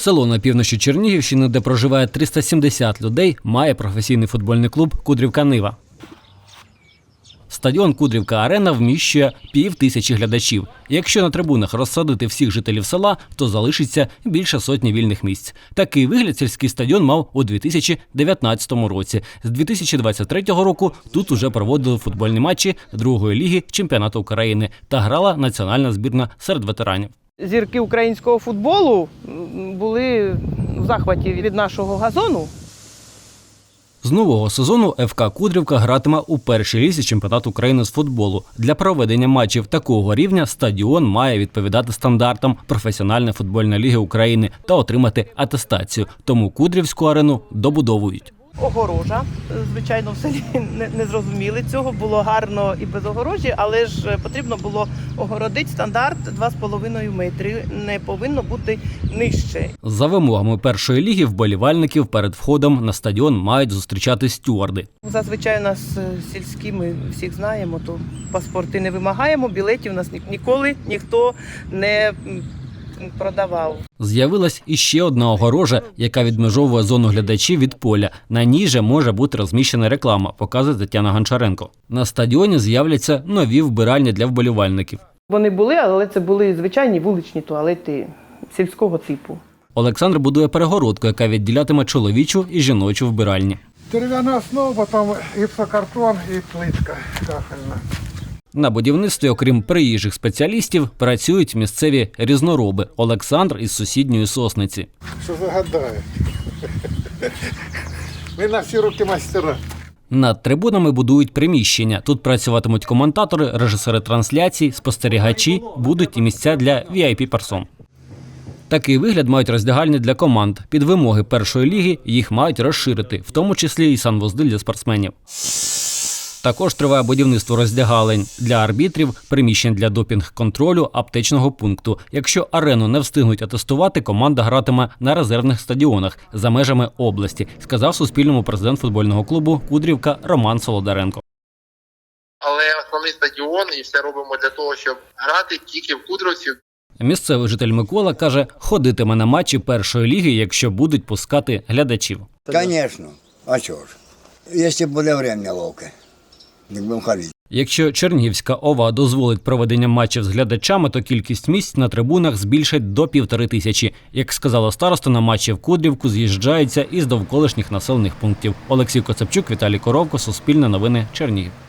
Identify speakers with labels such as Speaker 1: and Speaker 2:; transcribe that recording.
Speaker 1: Село на півночі Чернігівщини, де проживає 370 людей, має професійний футбольний клуб «Кудрівка-Нива». Стадіон «Кудрівка-Арена» вміщує 5000 глядачів. Якщо на трибунах розсадити всіх жителів села, то залишиться більше сотні вільних місць. Такий вигляд сільський стадіон мав у 2019 році. З 2023 року тут уже проводили футбольні матчі другої ліги чемпіонату України та грала національна збірна серед ветеранів.
Speaker 2: Зірки українського футболу були в захваті від нашого газону.
Speaker 1: З нового сезону ФК «Кудрівка» гратиме у першій лізі чемпіонату України з футболу. Для проведення матчів такого рівня стадіон має відповідати стандартам професіональної футбольної ліги України та отримати атестацію. Тому Кудрівську арену добудовують.
Speaker 2: Огорожа, звичайно, в селі не зрозуміли цього, було гарно і без огорожі, але ж потрібно було огородити стандарт 2,5 метри, не повинно бути нижче. За
Speaker 1: вимогами першої ліги вболівальників перед входом на стадіон мають зустрічати стюарди.
Speaker 2: Зазвичай у нас сільські, ми всіх знаємо, то паспорти не вимагаємо, білетів у нас ніколи ніхто не продавав.
Speaker 1: З'явилась іще одна огорожа, яка відмежовує зону глядачів від поля. На ній же може бути розміщена реклама, показує Тетяна Гончаренко. На стадіоні з'являться нові вбиральні для вболівальників.
Speaker 2: Вони були, але це були звичайні вуличні туалети сільського типу.
Speaker 1: Олександр будує перегородку, яка відділятиме чоловічу і жіночу вбиральні.
Speaker 3: Дерев'яна основа, потім гіпсокартон і плитка кафельна.
Speaker 1: На будівництві, окрім приїжджих спеціалістів, працюють місцеві різнороби. Олександр із сусідньої Сосниці.
Speaker 3: Що загадає? Ми на всі руки майстера.
Speaker 1: Над трибунами будують приміщення. Тут працюватимуть коментатори, режисери трансляцій, спостерігачі, будуть і місця для VIP-персон. Такий вигляд мають роздягальні для команд. Під вимоги першої ліги їх мають розширити, в тому числі і санвузли для спортсменів. Також триває будівництво роздягалень для арбітрів, приміщень для допінг-контролю, аптечного пункту. Якщо арену не встигнуть атестувати, команда гратиме на резервних стадіонах за межами області, сказав Суспільному президент футбольного клубу «Кудрівка» Роман Солодаренко.
Speaker 4: Але основний стадіон і все робимо для того, щоб грати тільки в Кудрівці.
Speaker 1: Місцевий житель Микола каже, ходитиме на матчі першої ліги, якщо будуть пускати глядачів.
Speaker 5: Звісно. А чого ж? Якщо буде час ловке.
Speaker 1: Якщо Чернігівська ОВА дозволить проведення матчів з глядачами, то кількість місць на трибунах збільшать до 1500. Як сказала староста, на матчі в Кудрівку з'їжджаються із довколишніх населених пунктів. Олексій Коцепчук, Віталій Коровко, Суспільне новини, Чернігів.